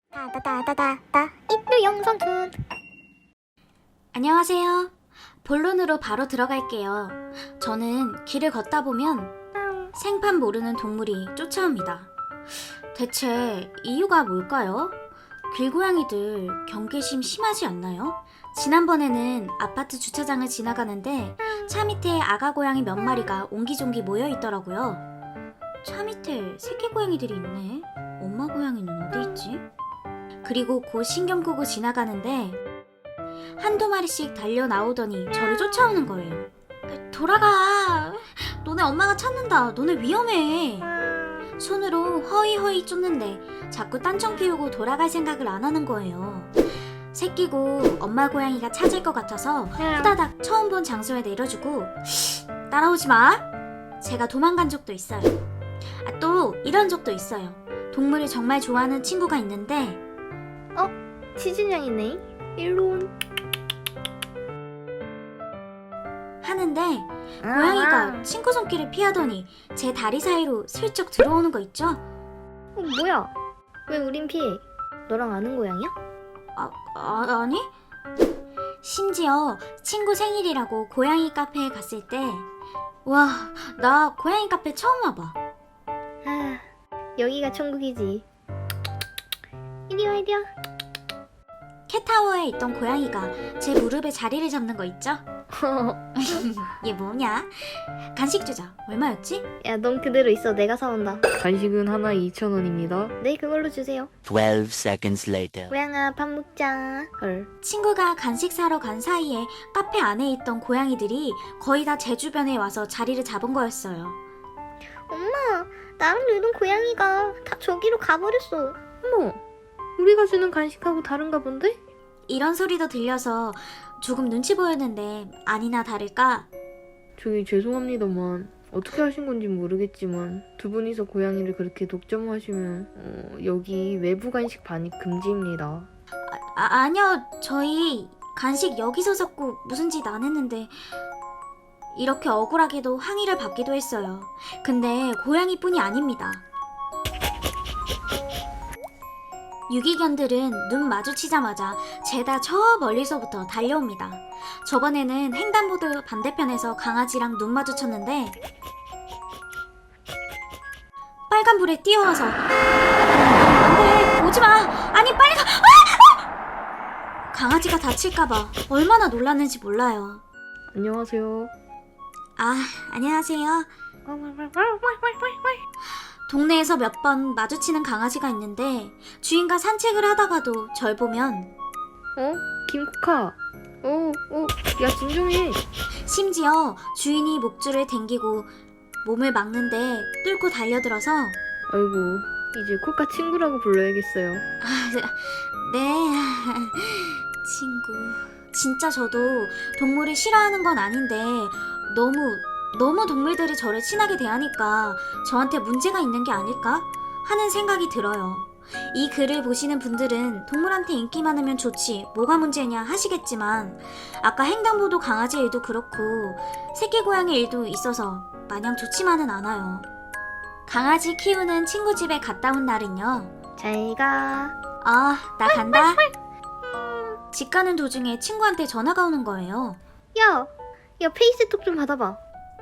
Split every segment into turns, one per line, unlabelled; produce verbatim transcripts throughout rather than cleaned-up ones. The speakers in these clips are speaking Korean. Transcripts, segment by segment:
따다다다다다 인류 영상툰.
안녕하세요. 본론으로 바로 들어갈게요. 저는 길을 걷다 보면 생판 모르는 동물이 쫓아옵니다. 대체 이유가 뭘까요? 길고양이들 경계심 심하지 않나요? 지난번에는 아파트 주차장을 지나가는데 차 밑에 아가 고양이 몇 마리가 옹기종기 모여 있더라고요. 차 밑에 새끼 고양이들이 있네. 엄마 고양이는 어디 있지? 그리고 곧 신경 끄고 지나가는데 한두 마리씩 달려 나오더니 저를 쫓아오는 거예요. 돌아가! 너네 엄마가 찾는다. 너네 위험해. 손으로 허이허이 쫓는데 자꾸 딴청 피우고 돌아갈 생각을 안 하는 거예요. 새끼고 엄마 고양이가 찾을 것 같아서 후다닥 처음 본 장소에 내려주고 따라오지 마! 제가 도망간 적도 있어요. 아, 또 이런 적도 있어요. 동물을 정말 좋아하는 친구가 있는데
어? 치즈냥이네. 일로 온.
하는데 고양이가 친구 손길을 피하더니 제 다리 사이로 슬쩍 들어오는 거 있죠?
어, 뭐야? 왜 우린 피해? 너랑 아는 고양이야?
아, 아 아니? 심지어 친구 생일이라고 고양이 카페에 갔을 때 와, 나 고양이 카페 처음 와봐.
아, 여기가 천국이지. 이리 와, 이리 와.
캣타워에 있던 고양이가 제 무릎에 자리를 잡는 거 있죠? 얘 뭐냐? 간식 주자. 얼마였지?
야, 넌 그대로 있어. 내가 사온다.
간식은 하나에 이천 원입니다.
네, 그걸로 주세요.
twelve seconds later.
고양아, 밥 먹자. 헐.
친구가 간식 사러 간 사이에 카페 안에 있던 고양이들이 거의 다 제 주변에 와서 자리를 잡은 거였어요.
엄마, 나랑 놀던 고양이가 다 저기로 가버렸어.
어머, 우리가 주는 간식하고 다른가 본데?
이런 소리도 들려서 조금 눈치 보였는데 아니나 다를까
저기 죄송합니다만 어떻게 하신 건지 모르겠지만 두 분이서 고양이를 그렇게 독점하시면 어, 여기 외부 간식 반입 금지입니다.
아, 아니요, 저희 간식 여기서 샀고 무슨 짓 안 했는데 이렇게 억울하게도 항의를 받기도 했어요. 근데 고양이뿐이 아닙니다. 유기견들은 눈 마주치자마자 죄다 저 멀리서부터 달려옵니다. 저번에는 횡단보도 반대편에서 강아지랑 눈 마주쳤는데 빨간불에 뛰어와서 안돼, 오지마! 아니 빨리 가! 아! 강아지가 다칠까봐 얼마나 놀랐는지 몰라요.
안녕하세요.
아, 안녕하세요. 동네에서 몇 번 마주치는 강아지가 있는데 주인과 산책을 하다가도 절 보면
어? 김코카. 어, 어, 야 진정해.
심지어 주인이 목줄을 당기고 몸을 막는데 뚫고 달려들어서
아이고, 이제 코카 친구라고 불러야겠어요.
아, 네, 친구. 진짜 저도 동물을 싫어하는 건 아닌데 너무 너무 동물들이 저를 친하게 대하니까 저한테 문제가 있는 게 아닐까 하는 생각이 들어요. 이 글을 보시는 분들은 동물한테 인기 많으면 좋지 뭐가 문제냐 하시겠지만 아까 횡단보도 강아지 일도 그렇고 새끼 고양이 일도 있어서 마냥 좋지만은 않아요. 강아지 키우는 친구 집에 갔다 온 날은요.
잘 가.
아, 나 간다. 집 가는 도중에 친구한테 전화가 오는 거예요.
야, 야 페이스톡 좀 받아봐.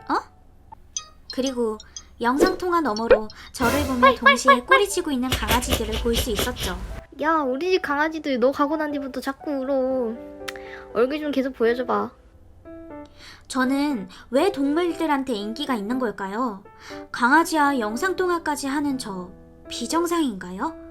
그리고 영상통화 너머로 저를 보며 동시에 꼬리치고 있는 강아지들을 볼 수 있었죠.
야, 우리 집 강아지들 너 가고 난 뒤부터 자꾸 울어. 얼굴 좀 계속 보여줘봐.
저는 왜 동물들한테 인기가 있는 걸까요? 강아지와 영상통화까지 하는 저 비정상인가요?